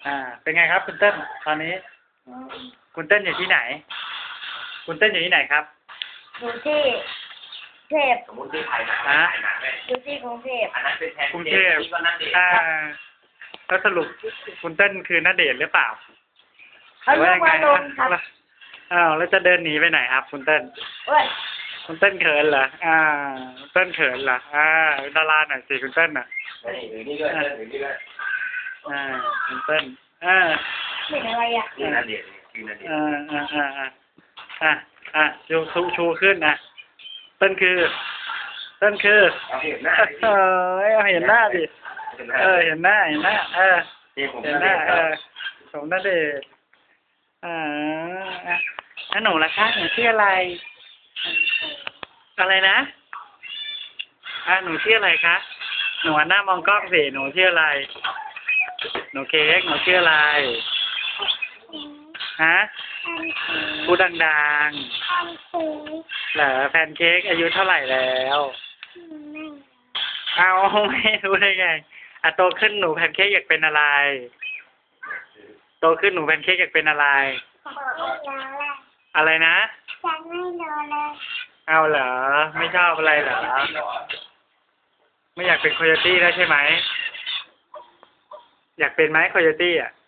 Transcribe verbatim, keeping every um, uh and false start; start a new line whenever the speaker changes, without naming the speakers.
อ่า เป็นไงครับคุณเต้นตอนนี้ คุณเต้นอยู่ที่ไหน คุณเต้นอยู่ที่ไหนครับ
อยู่ที่เทพ
สมมติที่ถ่ายหนังถ่ายหนังเลย
อยู่ที่กรุงเทพ
อันนั้นเป็นแทน
กรุงเทพ
นี่ก็นั่นเอง
อ่าแล้วสรุปคุณเต้นคือณเดชน์หรือเปล่า
เขาเรียกว่าลงครับ
อ้าวแล้วจะเดินหนีไปไหนครับ คุณเต้น
เว้ย
คุณเต้นเขินเหรอ อ่าคุณเต้นเขินเหรอ อ่าดาราหน่อยสิคุณเต้นอ่ะ
นี่หรือนี่ด้วยหรือนี่ด้วย
อ่าคุณเต้น อ่า
เป็นอะไรอ่ะ
นี่นั่นเองคือนั่นเอง
อ่าอ่าอ่าอ่าอ่าอ่าชูชูชูขึ้นนะเต้นคือ เต้นคือ
เอาเห็นหน้า
เออเอาเห็นหน้าดิ เออ เห็นหน้า เห็นหน้า เออ
เห็น
เห็นหน้า เออสมณเดชน์อ่าอ่ะแล้วหนูล่ะคะหนูชื่ออะไร อะไรนะ อ่ะหนูชื่ออะไรคะ หนูหันหน้ามองกล้องสิ หนูชื่ออะไร หนูเค้ก หนูชื่ออะไร ฮะ พูดดังๆเหรอแพนเค้กอายุเท่าไหร่แล้ว เอาไม่รู้ได้ไง อ่ะโตขึ้นหนูแพนเค้กอยากเป็นอะไร โตขึ้นหนูแพนเค้กอยากเป็นอะไร อะไรนะ
ฉันไม่รอเลย
เอาเหรอ ไม่ชอบอะไรเหรอ ไม่อยากเป็นโคโยตี้แล้วใช่ไหม อยากเป็นไหมโคโยตี้อ่ะ